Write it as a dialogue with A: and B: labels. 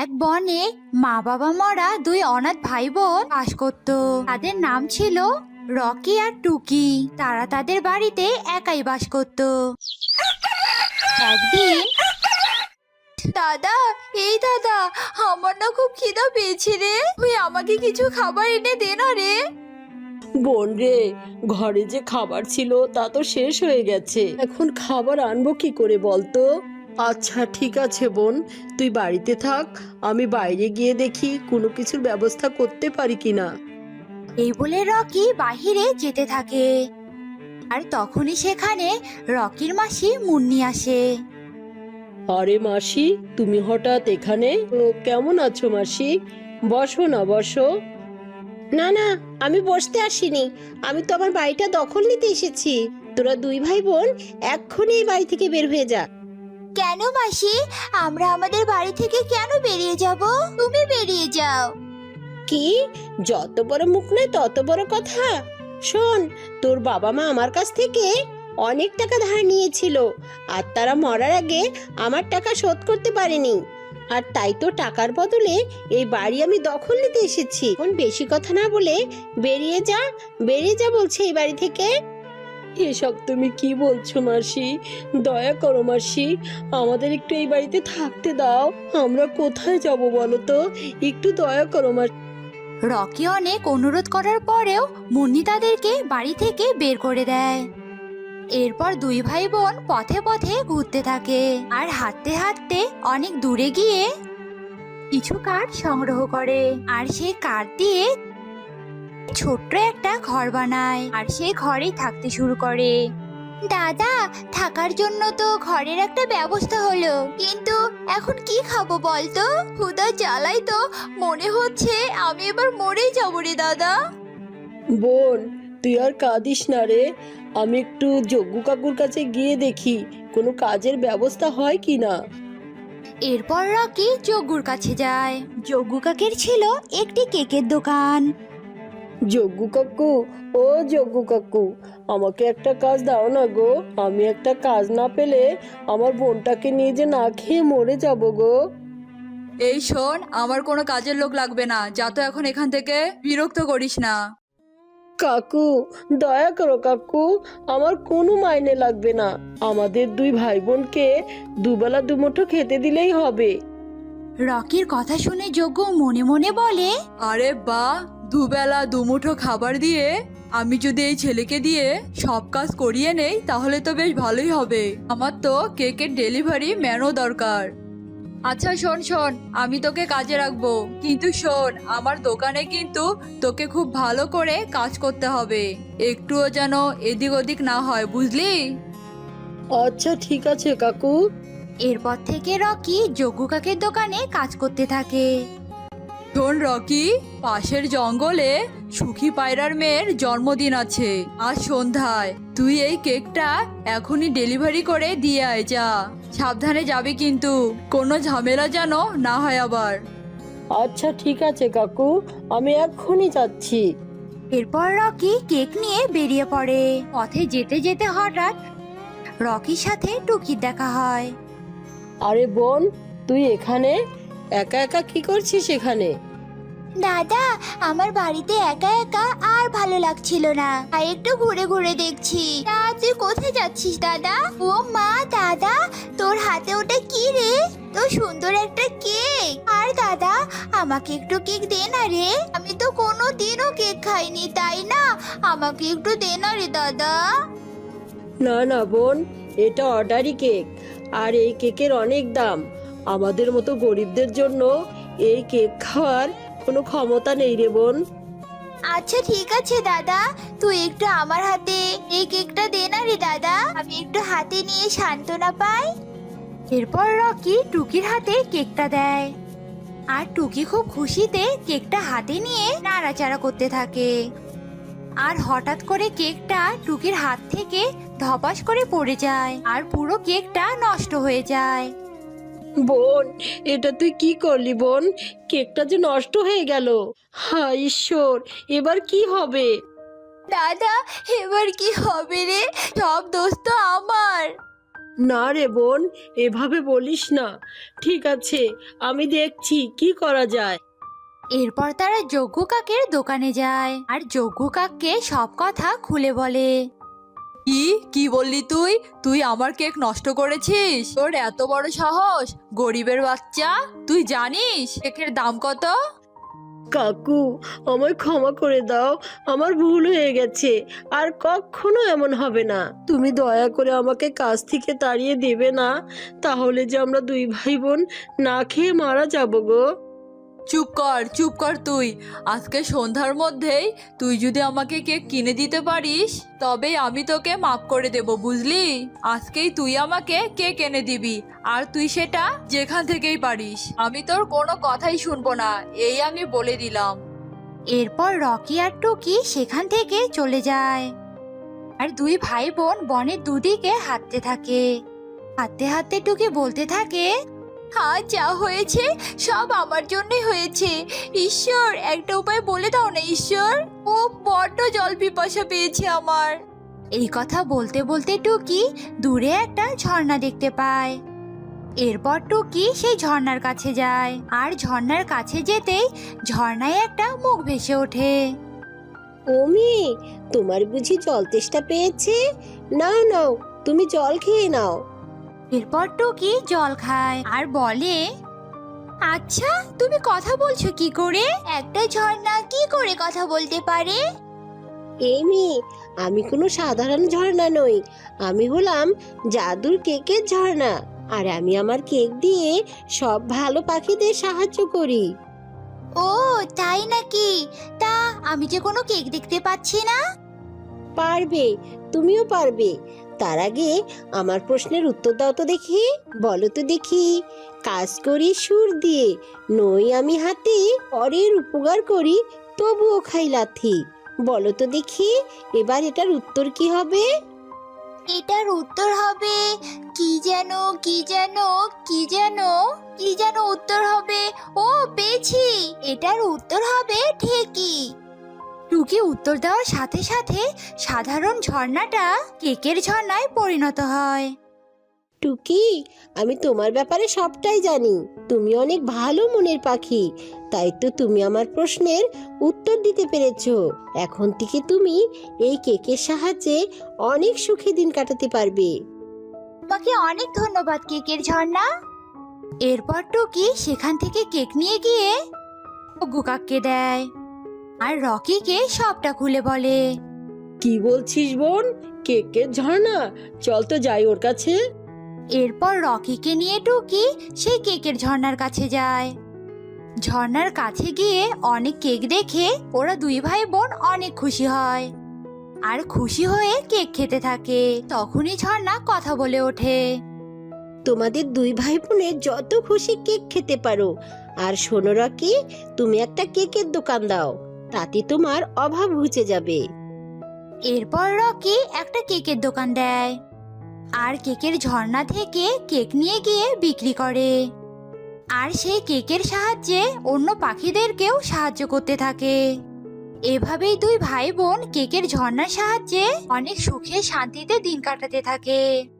A: এক বনে মা বাবা মরা দুই অনাথ ভাই বোন বাস করত। তাদের নাম ছিল রকি আর টুকি। তারা তাদের বাড়িতে একাই বাস করত। একদিন, দাদা, এই দাদা, আমার না খুব খিদা পেয়েছে রে, তুই আমাকে কিছু খাবার এনে দে না রে।
B: বোন রে, ঘরে যে খাবার ছিল তা তো শেষ হয়ে গেছে, এখন খাবার আনবো কি করে বলতো? আচ্ছা ঠিক আছে বোন, তুই বাড়িতে থাক, আমি বাইরে গিয়ে দেখি কোনো কিছুর ব্যবস্থা করতে পারি কিনা।
A: এই বলে রকি বাহিরে যেতে থাকে। আর তখনই সেখানে রকির মাসি মুন্নি আসে।
B: আরে মাসি, তুমি হঠাৎ এখানে? তো কেমন আছো মাসি? বসো না, বসো। না না, আমি বসতে আসিনি, আমি তো আমার বাড়িটা দখল নিতে এসেছি। তোরা দুই ভাই বোন এক্ষুনি এই বাড়ি থেকে বের হয়ে যা।
A: কেন মাসি, আমরা আমাদের বাড়ি থেকে কেন বেরিয়ে যাব? তুমি বেরিয়ে যাও।
B: কি? যত বড় মুখ নয় তত বড় কথা। শোন, তোর বাবা মা আমার কাছ থেকে অনেক টাকা ধার নিয়েছিল, আর তারা মরার আগে আমার টাকা শোধ করতে পারেনি। আর তাই তো টাকার বদলে এই বাড়ি আমি দখল নিতে এসেছি। এখন বেশি কথা না বলে বেরিয়ে যা, বেরিয়ে যা বলছে এই বাড়ি থেকে। এসব তুমি কি বলছো মাসি? দয়া করো মাসি, আমাদের একটু এই বাড়িতে থাকতে দাও। আমরা কোথায় যাব বলো তো? একটু দয়া করো মাসি।
A: রকি অনেক অনুরোধ করার পরেও মুন্নি তাদেরকে বাড়ি থেকে বের করে দেয়। এরপর দুই ভাই বোন পথে পথে ঘুরতে থাকে আর হাঁটতে হাঁটতে অনেক দূরে গিয়ে কিছু কাঠ সংগ্রহ করে। আর সেই কাঠ দিয়ে ছোট্ট একটা ঘর বানায় আর সেই ঘরেই থাকতে শুরু করে। দাদা, থাকার জন্য তো ঘরের একটা ব্যবস্থা হলো, কিন্তু এখন কি খাবো বলতো? ক্ষুধা জ্বালাই তো মনে হচ্ছে আমি এবার মরেই যাবো রে দাদা।
B: বোন, তুই আর কাঁদিস না রে, আমি একটু যজ্ঞ কাকুর কাছে গিয়ে দেখি কোনো কাজের ব্যবস্থা হয় কি না।
A: এরপর রকি যজ্ঞুর কাছে যায়। যজ্ঞ কাকের ছিল একটি কেকের দোকান।
B: যজ্ঞ কাকু, ও যজ্ঞ কাকু, আমাকে একটা কাজ দাও না গো, আমি একটা কাজ না পেলে আমার বোনটাকে নিয়ে যে না খেয়ে মরে যাব গো।
C: এই শোন, আমার কোনো কাজের লোক লাগবে না, যা তো এখন এখান থেকে, বিরক্ত করিস না।
B: কাকু, দয়া করো কাকু, আমার কোনো মাইনে লাগবে না, আমাদের দুই ভাই বোনকে দুবেলা দুমুঠো খেতে দিলেই হবে।
A: রকির কথা শুনে যজ্ঞ মনে মনে বলে,
C: আরে বাহ, দুবেলা দুমুঠো খাবার দিয়ে আমি যদি এই ছেলেকে দিয়ে সব কাজ করিয়ে নেই তাহলে তো বেশ ভালোই হবে। আমার তো কেকের ডেলিভারি ম্যানও দরকার। আচ্ছা শোন শোন, আমি তোকে কাজে রাখবো, কিন্তু শোন, আমার দোকানে কিন্তু তোকে খুব ভালো করে কাজ করতে হবে, একটুও যেন এদিক ওদিক না হয়, বুঝলি?
B: আচ্ছা ঠিক আছে কাকু।
A: এরপর থেকে রকি যজ্ঞ কাকের দোকানে কাজ করতে থাকে।
C: শোন রকি, পাশের জঙ্গলে সুখী পায়রার মেয়ের জন্মদিন আছে আজ সন্ধ্যায়, তুই এই কেকটা এখনই ডেলিভারি করে দিয়ে আয়, যা। সাবধানে যাবি কিন্তু, কোনো ঝামেলা যেন না হয় আবার।
B: আচ্ছা ঠিক আছে কাকু, আমি এক্ষুনি যাচ্ছি।
A: এরপর রকি কেক নিয়ে বেরিয়ে পড়ে। পথে যেতে যেতে হঠাৎ রকির সাথে টুকির দেখা হয়।
B: আরে বোন, তুই এখানে একা একা কি করছিস এখানে?
A: দাদা, আমার বাড়িতে একা একা আর ভালো লাগছিল না, তাই একটু ঘুরে ঘুরে দেখছি। তা তুই কোথায় যাচ্ছিস দাদা? ও মা, দাদা, তোর হাতে ওটা কি রে? তো সুন্দর একটা কেক। আর দাদা, আমাকে একটু কেক দে না রে, আমি তো কোনো দিনও কেক খাইনি, তাই না? আমাকে একটু দে না রে দাদা।
B: না না বোন, এটা অর্ডারি কেক, আর এই কেকের অনেক দাম। আমাদের মতো গরিবদের জন্য এই কেক খাওয়ার কোনো ক্ষমতা নেই রে বোন।
A: আচ্ছা ঠিক আছে দাদা, তুই একটু আমার হাতে এই কেকটা দে না রে দাদা, আমি একটু হাতে নিয়ে সান্ত্বনা পাই। এরপর রকি টুকির হাতে কেকটা দেয় আর টুকি খুব খুশিতে কেকটা হাতে নিয়ে নাড়াচাড়া করতে থাকে। আর হঠাৎ করে কেকটা টুকির হাত থেকে ধপাস করে পড়ে যায় আর পুরো কেকটা নষ্ট হয়ে যায়।
B: বোন, এটা তুই কি করলি বোন? কেকটা যে নষ্ট হয়ে গেল। হায় ঈশ্বর, এবার কি হবে?
A: দাদা, এবার কি হবে রে? সব দোষ তো আমার।
B: না রে বোন, এভাবে বলিস না। ঠিক আছে, আমি দেখছি কি করা যায়।
A: এরপর তারা যজ্ঞ কাকের দোকানে যায় আর যজ্ঞ কাককে সব কথা খুলে বলে।
C: কি কি বললি তুই? তুই আমার কেক নষ্ট করেছিস? তোর এত বড় সাহস! গরিবের বাচ্চা, তুই জানিস কেকের দাম কত?
B: কাকু, আমায় ক্ষমা করে দাও, আমার ভুল হয়ে গেছে। আর কখনো এমন হবে না। তুমি দয়া করে আমাকে কাজ থেকে তাড়িয়ে দেবে না, তাহলে যে আমরা দুই ভাই বোন না খেয়ে মারা যাবো গো।
C: চুপ কর তুই। আজকে সন্ধ্যার মধ্যেই তুই যদি আমাকে কেক কিনে দিতে পারিস তবে আমি তোকে মাফ করে দেব, বুঝলি? আজকেই তুই আমাকে কেক এনে দিবি, আর তুই সেটা যেখান থেকেই পারিস। আমি তোর কোনো কথাই শুনবো না, এই আমি বলে দিলাম।
A: এরপর রকি আর টুকি সেখান থেকে চলে যায় আর দুই ভাই বোন বনের দুদিকে হাঁটতে থাকে। হাঁটতে হাঁটতে টুকি বলতে থাকে, হ্যাঁ, যা হয়েছে সব আমার জন্যই হয়েছে। ঈশ্বর, একটা উপায় বলে দাও না ঈশ্বর। ও বড্ড জল পিপাসা পেয়েছে আমার। এই কথা বলতে বলতে টুকি দূরে একটা ঝর্ণা দেখতে পায়। এরপর টুকি সেই ঝর্ণার কাছে যায় আর ঝর্ণার কাছে যেতেই ঝর্ণায় একটা মুখ ভেসে ওঠে।
B: ও মেয়ে, তোমার বুঝি জল তেষ্টা পেয়েছে? নাও নাও, তুমি জল খেয়ে নাও।
A: এরপর টুকি জল খায় আর বলে, আচ্ছা, তুমি কথা বলছো কি করে? একটা ঝর্ণা কি করে কথা বলতে পারে?
B: এই মেয়ে, আমি কোনো সাধারণ ঝর্ণা নই। আমি হলাম জাদুর কেকের ঝর্ণা, আর আমি আমার কেক দিয়ে সব ভালো পাখিদের সাহায্য করি।
A: ও তাই নাকি? তা আমি যে কোনো কেক দেখতে পাচ্ছি না।
B: পারবে, তুমিও পারবে। তার আগে আমার প্রশ্নের উত্তর দাও তো দেখি। বলো তো দেখি, কাজ করি সুর দিয়ে, নই আমি হাতে, পরের উপকার করি তবুও খাই লাথি। বলো তো দেখি, এবার এটার উত্তর কি হবে?
A: এটার উত্তর হবে কি যেন কি যেন কি যেন কি যেন উত্তর হবে। ও পেয়েছি, এটার উত্তর হবে ঠিকই। টুকি উত্তর দেওয়ার সাথে সাথে সাধারণ ঝর্ণাটা কেকের ঝর্ণায় পরিণত হয়।
B: টুকি, আমি তোমার ব্যাপারে সবটাই জানি। তুমি অনেক ভালো মনের পাখি, তাই তো তুমি আমার প্রশ্নের উত্তর দিতে পেরেছো। এখন থেকে তুমি এই কেকের সাহায্যে অনেক সুখী দিন কাটাতে পারবে।
A: তোমাকে অনেক ধন্যবাদ কেকের ঝর্ণা। এরপর টুকি সেখান থেকে কেক নিয়ে গিয়ে গুকাককে দেয় আর রকিকে সবটা খুলে বলে।
B: কি বলছিস বোন? কেকের ঝর্ণা? চল তো যাই ওর কাছে।
A: এরপর রকিকে নিয়ে টুকি সেই কেকের ঝর্ণার কাছে যায়। ঝর্ণার কাছে গিয়ে অনেক কেক দেখে ওরা দুই ভাই বোন অনেক খুশি হয় আর খুশি হয়ে কেক খেতে থাকে। তখনই ঝর্ণা কথা বলে ওঠে।
B: তোমাদের দুই ভাই বোনের যত খুশি কেক খেতে পারো। আর শোনো রকি, তুমি একটা কেকের দোকান দাও, তাতে তোমার অভাব ঘুচে যাবে।
A: এরপর রকি একটা কেকের দোকান দেয় আর কেকের ঝর্ণা থেকে কেক নিয়ে গিয়ে বিক্রি করে। আর সেই কেকের সাহায্যে অন্য পাখিদেরকেও সাহায্য করতে থাকে। এভাবেই দুই ভাই বোন কেকের ঝর্ণার সাহায্যে অনেক সুখে শান্তিতে দিন কাটাতে থাকে।